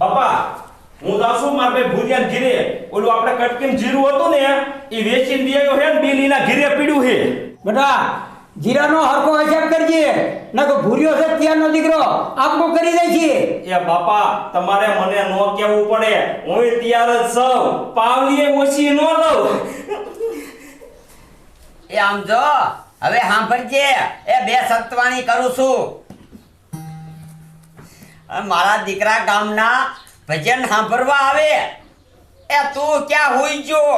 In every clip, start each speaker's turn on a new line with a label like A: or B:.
A: પપ્પા હું જાઉં છું મારા ભાઈ ભુરિયા ઘીરે ઓલું આપણે કટકીમ જીરું હતું ને એ વેચીને દિયો હે ને બિલ એના ઘીરે પીડ્યું હે
B: બેટા જીરાનો હરખો હિસાબ કરજે નકો ભૂર્યો છે ત્યાંનો દીકરો આપકો કરી દે છે.
A: એ બાપા તમારે મને નો કહેવું પડે હું તૈયાર જ છું પાવલીએ ઓછી નો લઉં.
C: એ આમ જો હવે સાંભળજે એ બે સત્વાણી કરું છું. મારા દીકરા ગામના ભજન સાંભળવા આવે એ તું ક્યાં હુઈ ગયો?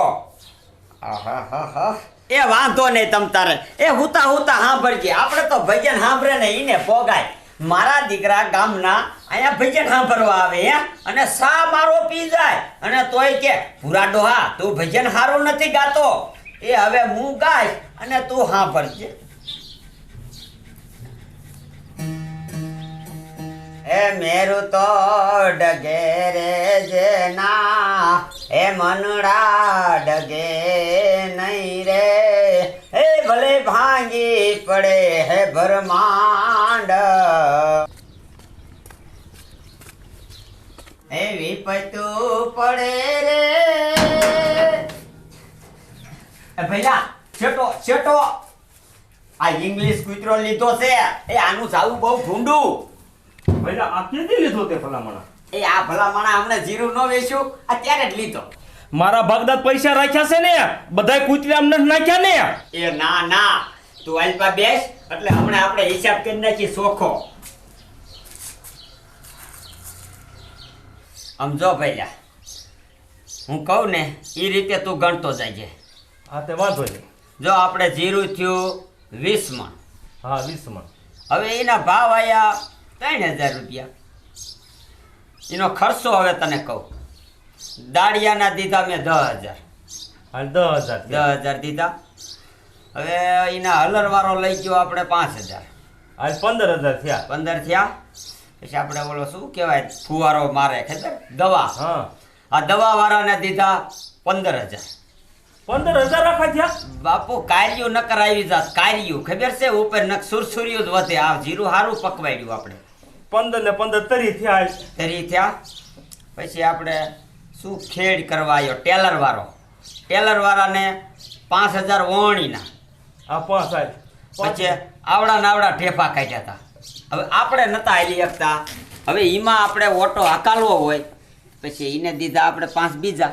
C: એ વાંધો નહીં તમ તારે એ હુતા હુતા સાંભળજે આપણે તો ભજન સાંભળે ને ઈને પોગાય. મારા દીકરા ગામના અહીંયા ભજન સાંભળવા આવે હે અને સા મારો પી જાય અને તોય કે પૂરા ડોહા તું ભજન સારું નથી ગાતો એ હવે હું ગાઈશ અને તું સાંભળજે. એ મેરું તો ડગે રે જેના એ મનડા ડગે નહીં રે એ ભલે ભાંગી પડે હે બ્રહ્માંડ એ વિપતું પડે રે એ ભૈલા છેટો છેટો આ ઇંગ્લિશ કૂતરો લીધો છે એ આનું જાવું બહુ ભૂંડું.
A: ભાઈ આ કેથી લીધો તે ભલામણા?
C: એ આ ભલામણા હમણાં જીરું ન વેચ્યું અત્યારે જ લીધો.
A: મારા ભાગદાદ પૈસા રાખ્યા છે ને બધાય કૂતરી આમ નથી નાખ્યા ને.
C: એ ના ના તું અલ્પા બેસ એટલે હમણાં આપણે હિસાબ કરી નાખી સોખો. સમજો ભૈયા હું કહું ને એ રીતે તું ગણતો જાય.
A: હા તે વાંધો નહીં.
C: જો આપણે જીરું થયું 20 મણ.
A: હા 20 મણ.
C: હવે એના ભાવ આયા 3000 રૂપિયા. એનો ખર્ચો હવે તને કહું દાળિયાના દીધા મેં 10000.
A: હાલ 10000.
C: 10000 દીધા. હવે એના હલરવાળો લઈ ગયો આપણે 5000.
A: હાલ 15000 થયા.
C: 15 થયા. પછી આપણે ઓલો શું કહેવાય ફુવારો મારે ખબર દવા
A: હા
C: આ દવા વાળાને દીધા 15000.
A: 15000 રાખા થયા.
C: બાપુ કાર્યું ન કરાવી જાત કાર્યું ખબર છે ઉપર નક સુરસુર્યું જ વધે. આ જીરું સારું પકવાડ્યું આપણે
A: 15 ને 15 તરી થયા. હાલ
C: તરી થયા. પછી આપણે શું ખેડ કરવા આવ્યો ટેલર વાળો. ટેલર વાળાને 5000 ઓણીના.
A: આ 5 હાલ.
C: પછી આવડા નાવડા ઠેફા કાઢ્યા હતા. હવે આપણે નતા હાલી શકતા. હવે એમાં આપણે ઓટો હકાલવો હોય પછી એને દીધા આપણે 5 બીજા.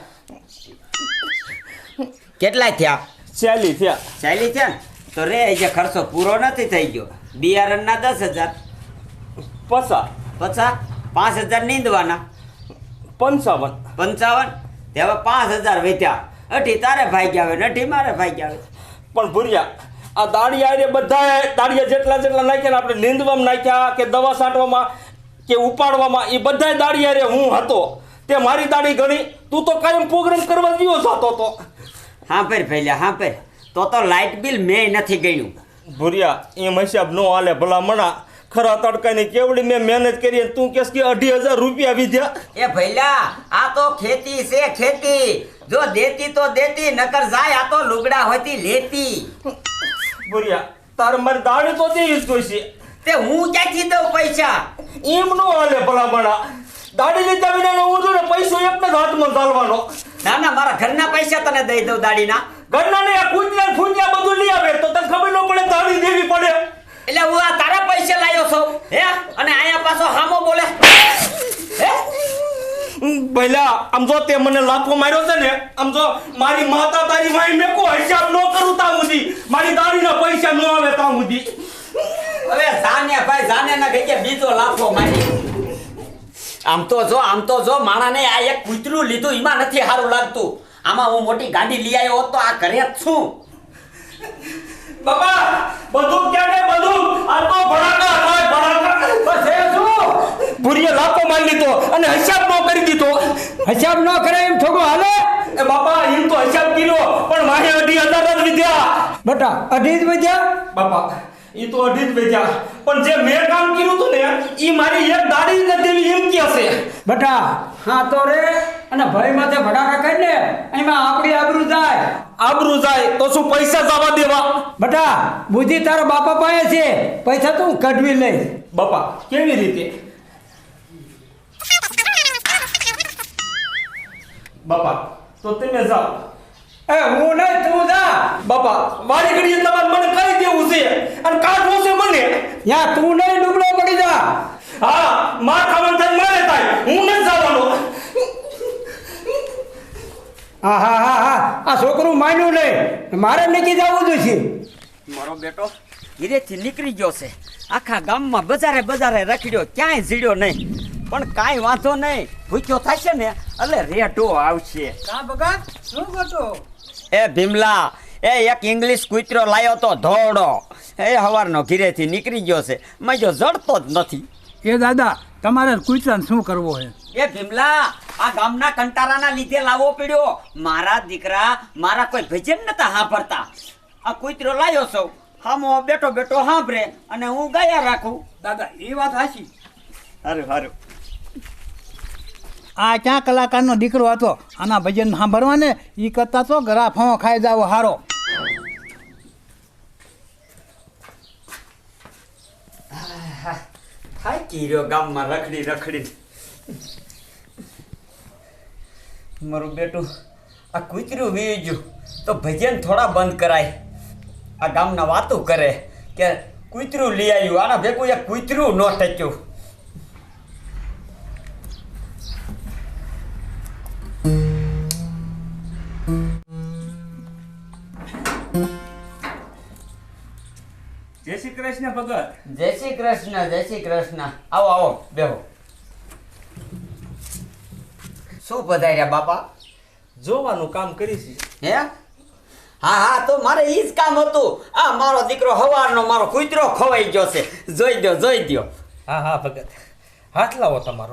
C: કેટલાય થયા?
A: 40 થયા.
C: 40 થયા ને તો રે જે ખર્ચો પૂરો નથી થઈ ગયો. બિયારણના 10000.
A: 50
C: પછી 5000 નીંદવાના
A: 55.
C: 55. તે હવે 5000 વેચ્યા. અઢી તારે ભાગ્યા આવે ને અઢી મારે ભાગ્યા આવે.
A: પણ ભૂર્યા આ દાળિયા બધા દાળિયા જેટલા જેટલા નાખ્યા ને આપણે નીંદવામાં નાખ્યા કે દવા છાંટવામાં કે ઉપાડવામાં એ બધા દાળિયા રે હું હતો તે મારી દાડી ગણી. તું તો કાયમ પ્રોગ્રામ કરવા ગયો જતો તો.
C: હા ભાઈ ભૈયા હા ભાઈ તો લાઇટ બિલ મેં નથી ગણ્યું.
A: ભૂર્યા એમ હિસાબ નો હાલે ભલા મણા. ખરા તડકાની કેવડી મેં મહેનત કરી તું કેસ કે 28000 રૂપિયા વિધ્યા.
C: એ ભૈલા આ તો ખેતી છે ખેતી. જો દેતી તો દેતી નકર જાય આ તો લુગડા હોતી લેતી.
A: ભૂર્યા તારે મારી દાડી તો દેવી જ જોઈશે.
C: તે હું ક્યાંથી દઉં પૈસા?
A: એમ નો હાલે ભલા મણા. દાડી લીધા વિના હું જો ને પૈસો એકને જ હાથમાં ચાલવાનો.
C: ના ના મારા ઘરના પૈસા તને દઈ દઉં દાડીના.
A: ઘરના ને કૂતરા ફૂંજ્યા બધું લઈ આવે તો તને ખબર ન પડે દાડી દેવી પડે.
C: એટલે હું આ તારા પૈસા લાવ્યો છું હે અને આયા પાછો હામો બોલે હે?
A: ભઈલા આમ જો તે મને લાફો માર્યો છે ને આમ જો મારી માતા તારી માઈ મેં કો હિસાબ ન કરું તા સુધી મારી દાડીના પૈસા ન આવે તા સુધી.
C: હવે જાને ભાઈ જાને ના ગઈ કે બીજો લાફો મારી. આમ તો જો માણાને આ એક કૂતરું લીધું એમાં નથી સારું લાગતું. આમાં હું મોટી ગાડી લઈ આવ્યો હોત તો આ ઘરે જ છું.
A: બાબા બધું ક્યાં ને બધું આ તો ભડાકા થાય ભડાકા.
C: બસ એ શું
A: ભૂરીએ લાફો મારી લીધો અને હિસાબ ન કરી દીધો.
B: હિસાબ ન કરે એમ થોડું હાલે?
A: એ બાપા એમ તો હિસાબ કર્યો પણ મારે 28000 જ વિધ્યા.
B: બેટા 2.5 જ વધ્યા?
A: બાપા ઈ તો 2.5 જ વેચ્યા પણ જે મેં કામ કર્યું હતું ને ઈ મારી એક દાડી ન દેવી એમ કે છે.
B: બેટા હા તો રે અને ભાઈ માથે ભડાકા કરીને એમાં આપણી આબરૂ જાય.
A: આબરૂ જાય તો શું પૈસા જવા દેવા?
B: બેટા બુદ્ધિ તારા બાપા પાસે છે પૈસા તો હું કઢવી લઈશ.
A: બાપા કેવી રીતે? બાપા તો તમે જાઓ.
B: એ હું નહીં, તું જા.
A: બાપા મારી ઘડીએ તમારે મને કહી દેવું છે અને કાઢવો છે મને.
B: ત્યાં તું નહીં, ડૂબલો પડી જા.
A: હા માર ખાવાનું થાય મારે થાય, હું નથી જવાનો.
B: હા હા હા હા, આ છોકરું માન્યું નહીં, મારે નીકળી જવું જોઈએ.
C: મારો બેટો ધીરેથી નીકળી ગયો છે. આખા ગામમાં બજારે બજારે રખડ્યો, ક્યાંય જીડ્યો નહીં. પણ કાંઈ વાંધો નહીં, ભૂખ્યો થશે ને એટલે રેટો આવશે.
B: કા ભગત, શું કરતો?
C: એ ભીમલા, એ એક ઇંગ્લિશ કૂતરો લાયો તો ધોળો. એ સવારનો ઘીરેથી નીકળી ગયો છે, મજો જડતો જ નથી.
D: એ દાદા તમારે કૂતરાને શું કરવો છે?
C: એ ભીમલા, આ ગામના કંટારાના લીધે લાવવો પડ્યો. મારા દીકરા મારા કોઈ ભજન નતા સાંભળતા. આ કૂતરો લાયો છો, હામો બેઠો બેઠો સાંભળે અને હું ગાયા રાખું.
D: દાદા એ વાત સાચી.
C: હારું હારું.
D: આ ક્યાં કલાકારનો દીકરો હતો, આના ભજન સાંભળવા ને એ કરતા તો ગરા ફાંવો ખાઈ જાવ હારો.
C: થાકી રહ્યો ગામમાં રખડી રખડી. મારું બેટું આ કૂતરું વી ગયું તો ભજન થોડા બંધ કરાય. આ ગામના વાતો કરે કે કૂતરું લઈ આવ્યું, આના ભેગું એક કૂતરું ન ટક્યું.
A: જય શ્રી કૃષ્ણ ભગત.
C: જય શ્રી કૃષ્ણ, જય શ્રી કૃષ્ણ. આવો આવો બેહો. શું પધાર્યા બાપા?
A: જોવાનું કામ કરીશી.
C: હે? હા હા, તો મારે ઈ જ કામ હતું. આ મારો દીકરો હવારનો મારો કૂતરો ખવાઈ ગયો છે. જોઈ દો જોઈ દો.
A: હા હા ભગત, હાથ લાવો તમારો.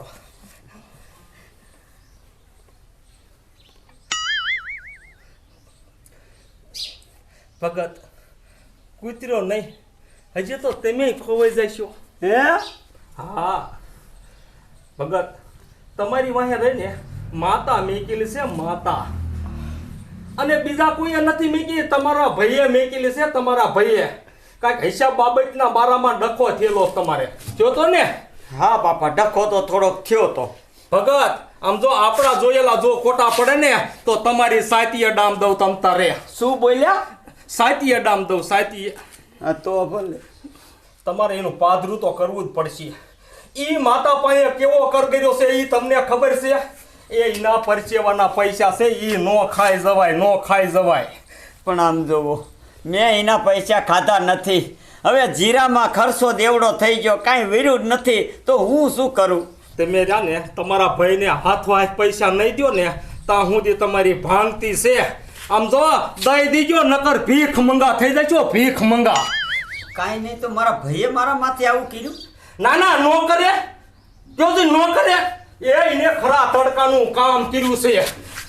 A: ભગત કૂતરો નહીં, હજી તો તમે ખોવાઈ જશો.
C: હે?
A: હા ભગત, તમારી વાહે રહીને માતા મેકેલી છે, માતા. અને બીજા કોઈએ નથી મેકી, તમારા ભાઈએ મેકેલી છે, તમારા ભાઈએ. કાંઈક હિસાબ બાબતના બારામાં ડખો થયેલો તમારે થયો તો ને?
C: હા બાપા, ડખો તો થોડોક થયો તો.
A: ભગત આમ જો આપણા જોયેલા જો ખોટા પડે ને તો તમારી સાતીએ ડામ દઉં તમ તારે.
C: શું બોલ્યા?
A: સાતીએ ડામ દઉં, સાતીએ.
C: હા તો ભલે.
A: તમારે એનું પાદરું તો કરવું જ પડશે. ઈ માતા પાસે કેવો કર કર્યો છે ઈ તમને ખબર છે? એ એના પરચેવાના પૈસા છે, ઈ નો ખાઈ જવાય, નો ખાઈ જવાય.
C: પણ આમ જોવો, મેં એના પૈસા ખાધા નથી. હવે જીરામાં ખર્ચો દેવડો થઈ ગયો, કાંઈ વીર્યું જ નથી, તો હું શું કરું?
A: તમે રહ્યા ને તમારા ભાઈને હાથમાં હાથ પૈસા નહીં દો ને ત્યાં સુધી તમારી ભાંગતી છે. આમ જો દઈ દીજો, નકર ભીખ મંગા થઈ જશો, ભીખ મંગા.
C: કાંઈ નહીં, તો મારા ભાઈએ મારા માથે આવું કર્યું.
A: ના ના, નો કરે, જો નો કરે. એને ખરા તડકાનું કામ કર્યું છે.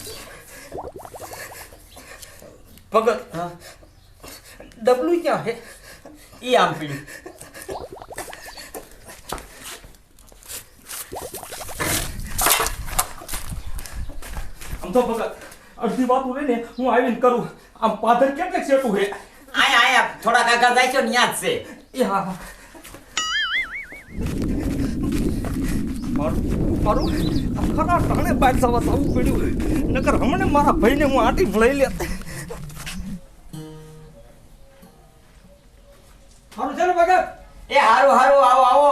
A: ભગત ડબલું ક્યાં હે?
C: ઈ આમ પીડ્યું.
A: આમ તો ભગત અડધી વાતું લઈને હું આવીને કરું. આમ પાદર કેટલેક સેટું હે?
C: આયા આયા થોડા કાકા જાય છે ને ન્યા જ છે.
A: એ હા હા. મારું આ ખરા ટાણે બાઇક સવા થવું પડ્યું, નકર હમણાં મારા ભાઈને હું આટી લઈ લેત.
B: મારું છે ને ભગત?
C: એ હારું હારું, આવો આવો,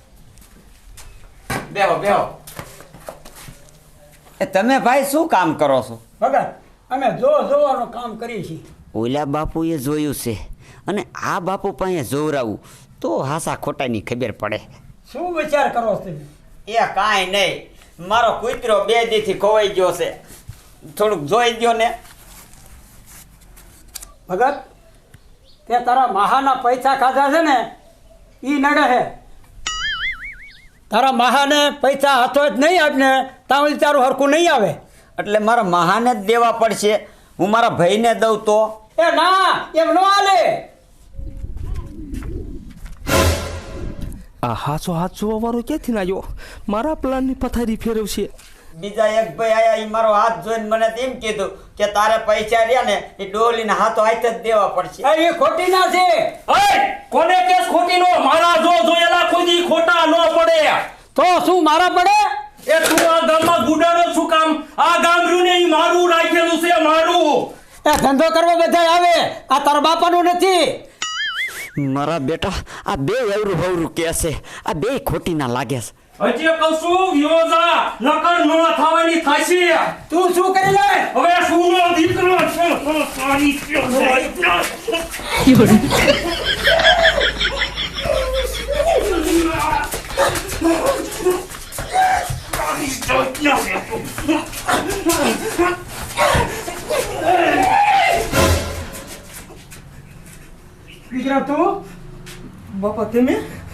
C: બેહો બેહો. એ તમે ભાઈ શું કામ કરો છો?
B: ભગત અમે જોવાનું કામ કરીએ છીએ.
C: ઓલા બાપુએ જોયું છે અને આ બાપુ પાસે જોવરાવું તો હાસા ખોટાની ખબર પડે.
B: શું વિચાર કરો છો તમે?
C: એ કાંઈ નહીં, મારો કૂતરો 2 દીથી ખોવાઈ ગયો છે, થોડુંક જોઈ દ્યો ને.
B: ભગત તે તારા મહાના પૈસા ખાધા છે ને ઈ નડે છે. તારા મહાને પૈસા હાથો જ નહીં આપને તાવળી તારું હરખું નહીં આવે.
C: એટલે મારા મહાને જ દેવા પડશે. હું મારા ભાઈને દઉં તો?
B: એ ના, એમ ન હાલે.
A: આ હાચો હાથ જોવા વાળો ક્યાંથી ના આવ્યો? મારા પ્લાનની પથારી ફેરવશે.
C: બીજા એક ભાઈ આયા, ઈ મારો હાથ જોઈને મને એમ કીધું કે તારે પૈસા રહ્યા ને એ ડોલીને હાથો હાથ જ દેવા પડશે.
B: એ ખોટી ના છે.
A: કોને કેસ ખોટી નો? મારા જો જોયેલા ખુદી ખોટા ન પડે.
B: તો શું મારા પડે?
A: એ તું આ ગામમાં ગુડાડો શું કામ? આ ગામ રહ્યું ને ઈ ઈ મારું રાખેલું છે મારું.
B: એ ધંધો કરવા બધા આવે, આ તારા બાપાનું નથી.
C: મારા બેટા આ બે એવરું હવરું કે છે, આ બે ખોટી ના લાગે છે.
A: હજી કહું છું વિયોજા નકર ન થવાની થાશે.
B: તું શું કરી લે?
A: હવે સુનો દીકરો છે સાની
B: દીકરા તું
A: બાપા તમે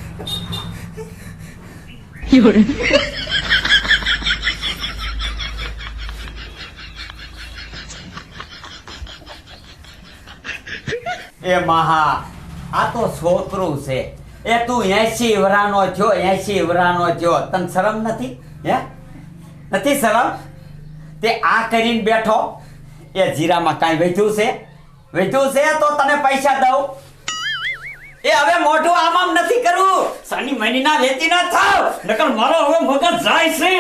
C: એ મહા આ તો છોકરું છે. એ તું 80 વરાનો થયો, 80 વરાનો થયો, તને શરમ નથી? હે નથી શરમ? તે આ કરીને બેઠો. એ જીરામાં કાંઈ વધ્યું છે? વધ્યું છે તો તને પૈસા દઉં. એ હવે મોઢું આમ નથી કરવું. સાની મહિના વેચી ના થાવ, નકર મારો હવે મગજ જાય છે.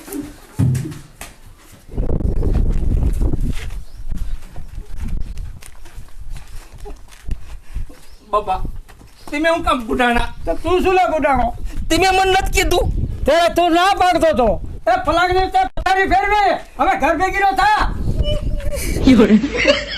A: બાપા તમે હું કામ ગુડાણા?
B: તો તું શું લે ગુડાણો?
A: તમે મને નથી કીધું.
B: તે તું ના પાડતો તો. એ પલાંગની તે પથારી ફેરવે, હવે ઘર ભેગી નો થા.